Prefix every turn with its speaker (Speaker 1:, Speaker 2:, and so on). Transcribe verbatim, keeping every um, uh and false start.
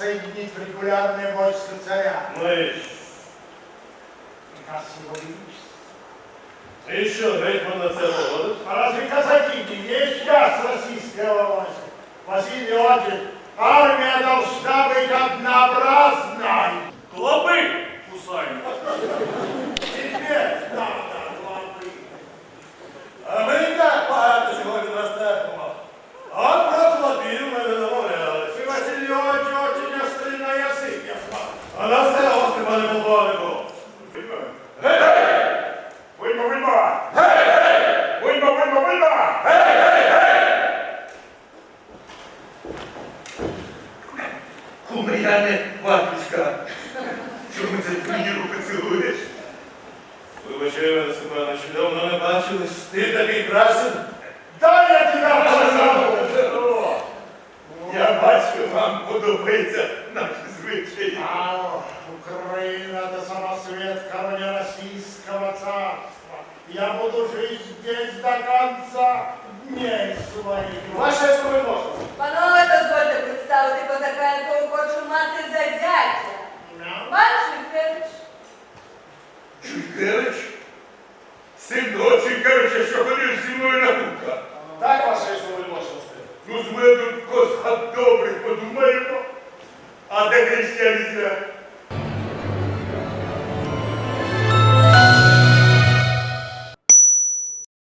Speaker 1: соединить в регулярное войско царя.
Speaker 2: Навіщо?
Speaker 1: Приказ его величества.
Speaker 2: І що, гетьман на це погодить?
Speaker 1: А разве казаки не есть часть российского войска? Василий Иванович, армия должна быть однообразной.
Speaker 2: Клопи кусають.
Speaker 1: Теперь надо главы.
Speaker 2: А ми і так багато чого відростаємо. А про клопів ми не домовлялись.
Speaker 1: Ты, Василий Иванович, очень острый на язык, я знаю.
Speaker 2: А на все гости, пане полковнику.
Speaker 1: Гей, гей! Виймо, виймо! Гей, гей! Виймо, виймо, виймо! Гей, гей, гей!
Speaker 3: Кумиряне, батюшка, чому це мені руки цілуєш?
Speaker 2: Вибачай мене, Степанович, давно не бачились. Ти такий красен.
Speaker 1: Дай я тебя позову!
Speaker 3: Я бачу, вам подобається наші звичаї.
Speaker 1: А Украина – это самосвет короля Российского царства. Я буду жить здесь до конца дней своих.
Speaker 4: Ваше справедливо.
Speaker 5: Панове, дозвольте представити козака, якого хочу мати за зятя. Пан Шухевич.
Speaker 3: Чуйкевич? Син того Чуйкевича, що ходив зі мною на кука.
Speaker 4: Так, ваше справедливості.
Speaker 3: Ну, з мене тут коза добре подумаємо. А де християнізм?